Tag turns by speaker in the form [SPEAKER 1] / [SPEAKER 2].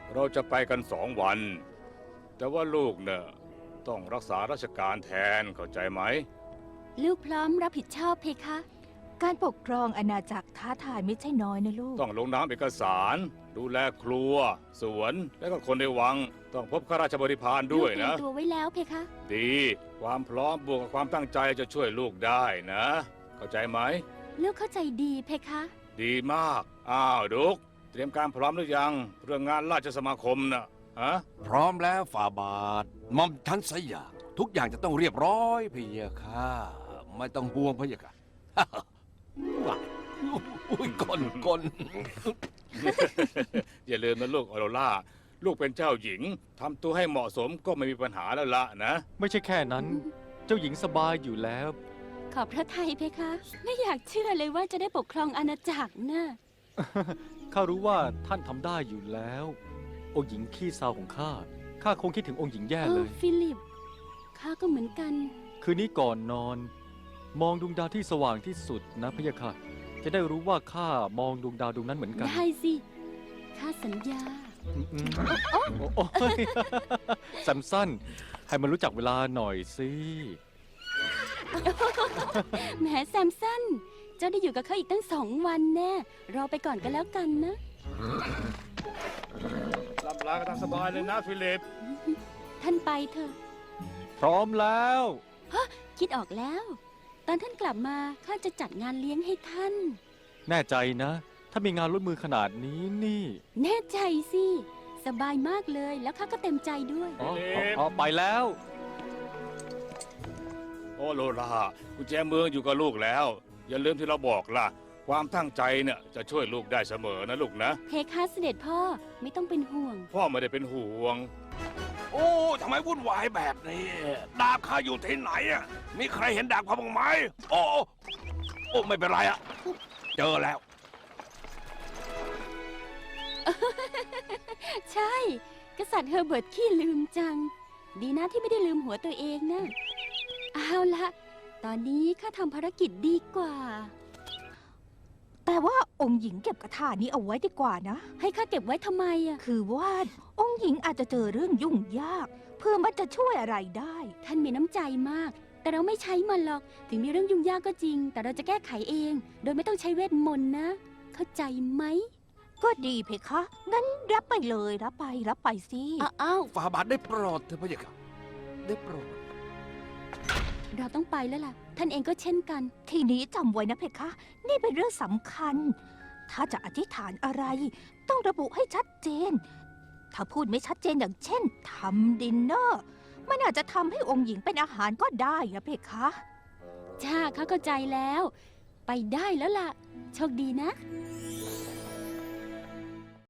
[SPEAKER 1] เราจะไปกัน2 วันแต่ว่าลูกเนี่ยต้องรักษาราชการแทนเข้าใจไหม
[SPEAKER 2] ลูกพร้อมรับผิดชอบเพคะ
[SPEAKER 3] การปกครองอาณาจักรท้าทายไม่ใช่น้อยนะลูก
[SPEAKER 1] ต้องลงนามเอกสาร ดูแลครัว สวนและก็คนในวัง ต้องพบข้าราชบริพารด้วยนะ
[SPEAKER 2] ลูกเตรียมตัวไว้แล้วเพคะ
[SPEAKER 1] ดีความพร้อมบวกกับความตั้งใจจะช่วยลูกได้นะ เข้าใจไหม
[SPEAKER 2] ลูกเข้าใจดีเพคะ
[SPEAKER 1] ดีมากอ้าวดุกเตรียมการพร้อมหรือยังเรื่องงานราชสมาคมนะฮะ
[SPEAKER 4] พร้อมแล้วฝ่าบาทหม่อมฉันสยามทุกอย่างจะต้องเรียบร้อยพะเยาค่ะไม่ต้องห่วงพะเยาค่ะ ว้ายอุ้ยกล
[SPEAKER 1] อย่าลืมนะลูกออโรราลูกเป็นเจ้าหญิงทำตัวให้เหมาะสมก็ไม่มีปัญหาแล้วละนะ
[SPEAKER 5] ไม่ใช่แค่นั้น เจ้าหญิงสบายอยู่แล้ว
[SPEAKER 2] ขอบพระทัยเพคะ ไม่อยากเชื่อเลยว่าจะได้ปกครองอาณาจักรนะ
[SPEAKER 5] ข้ารู้ว่าท่านทำได้อยู่แล้ว องค์หญิงขี้เศร้าของข้าคงคิดถึงองค์หญิงแย่เลย
[SPEAKER 2] ฟิลิป ข้าก็เหมือนกัน
[SPEAKER 5] คืนนี้ก่อนนอน มองดวงดาวที่สว่างที่สุดนะพะยะค่ะ จะได้รู้ว่าข้ามองดวงดาวดวงนั้นเหมือนกัน
[SPEAKER 2] ได้สิ ข้าสัญญา
[SPEAKER 5] อืมโอ้ย แซมสันให้มันรู้จักเวลาหน่อยสิ
[SPEAKER 2] แหมแซมสัน เจ้าได้อยู่กับเขาอีกตั้ง2 วันแน่ รอไปก่อนก็แล้วกันนะ
[SPEAKER 1] ลำลากันตามสบายเลยนะฟิลิป
[SPEAKER 2] ท่านไปเถอะ
[SPEAKER 5] พร้อมแล้ว
[SPEAKER 2] คิดออกแล้ว ตอนท่านกลับมาข้าจะจัดงานเลี้ยงให้ท่าน
[SPEAKER 5] แน่ใจนะ ถ้ามีงานร่วมมือขนาดนี้นี่
[SPEAKER 2] แน่ใจสิ สบายมากเลย แล้วข้าก็เต็มใจด้วย
[SPEAKER 5] อ๋อไปแล้ว
[SPEAKER 1] โอโรรากุญแจเมืองอยู่กับลูกแล้ว อย่าลืมที่เราบอกล่ะ ความตั้งใจเนี่ยจะช่วยลูกได้เสมอนะลูกนะ
[SPEAKER 2] เพคะเสด็จพ่อไม่ต้องเป็นห่วง
[SPEAKER 1] พ่อไม่ได้เป็นห่วง
[SPEAKER 4] โอ้ทำไมวุ่นวายแบบนี้ ดาบข้าอยู่ที่ไหนอ่ะมีใครเห็นดาบข้าบ้างไหมโอ้ไม่เป็นไรอ่ะเจอแล้ว
[SPEAKER 2] ใช่ กษัตริย์เฮอร์เบิร์ตขี้ลืมจัง ดีนะที่ไม่ได้ลืมหัวตัวเองนะเอาละตอนนี้ข้าทำภารกิจดีกว่า
[SPEAKER 3] แต่ว่าองค์หญิงเก็บกระถานี้เอาไว้ดีกว่านะ
[SPEAKER 2] ให้ข้าเก็บไว้ทำไมอะ
[SPEAKER 3] คือว่าองค์หญิงอาจจะเจอเรื่องยุ่งยาก เพื่อมันจะช่วยอะไรได้
[SPEAKER 2] ท่านมีน้ำใจมาก แต่เราไม่ใช้มันหรอก ถึงมีเรื่องยุ่งยากก็จริง แต่เราจะแก้ไขเอง โดยไม่ต้องใช้เวทมนต์นะ เข้าใจไหม
[SPEAKER 3] ก็ดีเพคะ งั้นรับไปเลยรับไปสิ
[SPEAKER 2] อ้าว
[SPEAKER 4] ฝ่าบาทได้โปรดเถอะพะเยาค่ะได้โปรด
[SPEAKER 2] เราต้องไปแล้วล่ะ ท่านเองก็เช่นกัน
[SPEAKER 3] ทีนี้จำไว้นะเพคะ นี่เป็นเรื่องสำคัญ ถ้าจะอธิษฐานอะไร ต้องระบุให้ชัดเจน ถ้าพูดไม่ชัดเจนอย่างเช่นทำดินเนอร์ มันอาจจะทำให้องค์หญิงเป็นอาหารก็ได้นะเพคะ
[SPEAKER 2] จ้าข้าเข้าใจแล้ว ไปได้แล้วล่ะ โชคดีนะ
[SPEAKER 3] ค